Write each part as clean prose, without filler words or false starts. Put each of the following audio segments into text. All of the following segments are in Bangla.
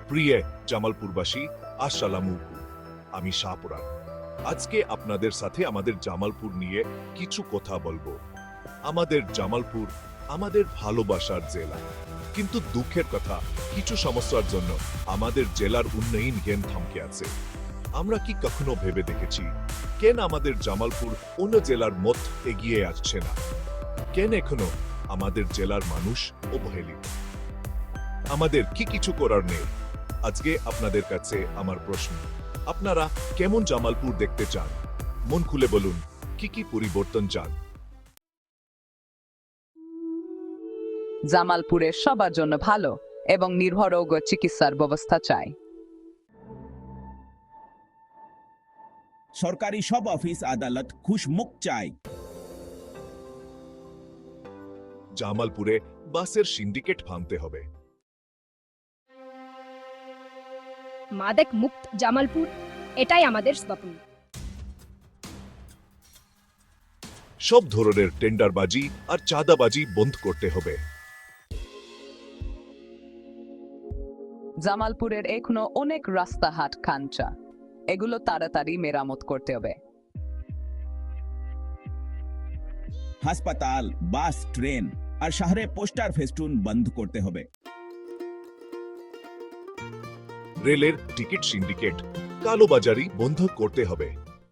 প্রিয় জামালপুরবাসী, আসসালামু আমি শাহপুরান। আজকে আপনাদের সাথে আমাদের জামালপুর নিয়ে কিছু কথা বলবো। আমাদের জামালপুর আমাদের ভালোবাসার জেলা, কিন্তু দুঃখের কথা, কিছু সমস্যার জন্য আমাদের জেলার উন্নয়ন জ্ঞান থমকে আছে। আমরা কি কখনো ভেবে দেখেছি কেন আমাদের জামালপুর অন্য জেলার মত এগিয়ে আসছে না? কেন এখনো আমাদের জেলার মানুষ অবহেলিত? আমাদের কি কিছু করার নেই? আজকে আপনাদের কাছে আমার প্রশ্ন, আপনারা কেমন জামালপুর দেখতে চান? মন খুলে বলুন, কি কি পরিবর্তন চান? জামালপুরে সবার জন্য ভালো এবং নির্ভরযোগ্য চিকিৎসার ব্যবস্থা চাই। সরকারি সব অফিস আদালত খুশমুখ চাই। জামালপুরে বাসের সিন্ডিকেট ভাঙতে হবে। মাদক মুক্ত জামালপুর, এটাই আমাদের স্বপ্ন। সব ধরনের টেন্ডারবাজি আর চাঁদাবাজি বন্ধ করতে হবে। জামালপুরের এখনো অনেক রাস্তাঘাট খাঞ্চা, এগুলো তাড়াতাড়ি মেরামত করতে হবে। হাসপাতাল, বাস, ট্রেন আর শহরে পোস্টার ফেস্টুন বন্ধ করতে হবে। রেলের টিকিট সিন্ডিকেট, কালোবাজারি বন্ধ করতে হবে।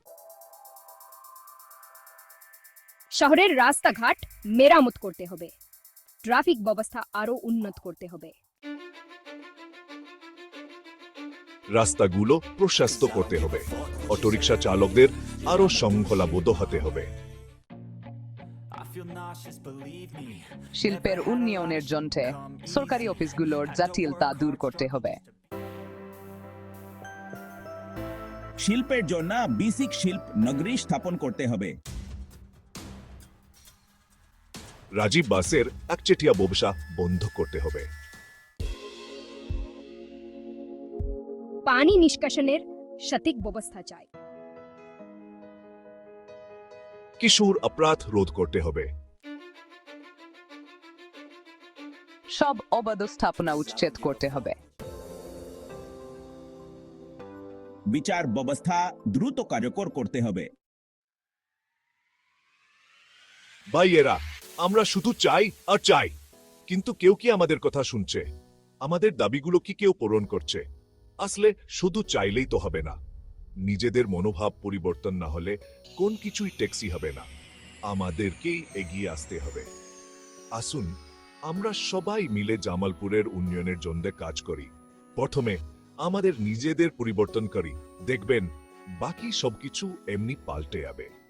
শহরের রাস্তাঘাট মেরামত করতে হবে। ট্রাফিক ব্যবস্থা আরো উন্নত করতে হবে। রাস্তাগুলো প্রশস্ত করতে হবে। অটোরিকশা চালকদের আরো শৃঙ্খলাবদ্ধ হতে হবে। শিল্পের উন্নয়নের জন্য সরকারি অফিসগুলোর জটিলতা দূর করতে হবে। শিল্পের জন্য বেসিক শিল্প নগরী স্থাপন করতে হবে। রাজীব বাসের একচেটিয়া ব্যবসা বন্ধ করতে হবে। পানি নিষ্কাশনের সঠিক ব্যবস্থা চাই। কিশোর অপরাধ রোধ করতে হবে। সব অবাধ স্থাপনা উচ্ছেদ করতে হবে। বিচার ব্যবস্থা দ্রুত কার্যকর করতে হবে। ভাইয়েরা, আমরা শুধু চাই আর চাই, কিন্তু কেউ কি আমাদের কথা শুনছে? আমাদের দাবিগুলো কি কেউ পূরণ করছে? আসলে শুধু চাইলেই তো হবে না। নিজেদের মনোভাব পরিবর্তন না হলে কোন কিছুই টেকসি হবে না। আমাদেরকেই এগিয়ে আসতে হবে। আসুন আমরা সবাই মিলে জামালপুরের উন্নয়নের জন্য কাজ করি। প্রথমে আমাদের নিজেদের পরিবর্তন করি, দেখবেন বাকি সবকিছু এমনি পাল্টে যাবে।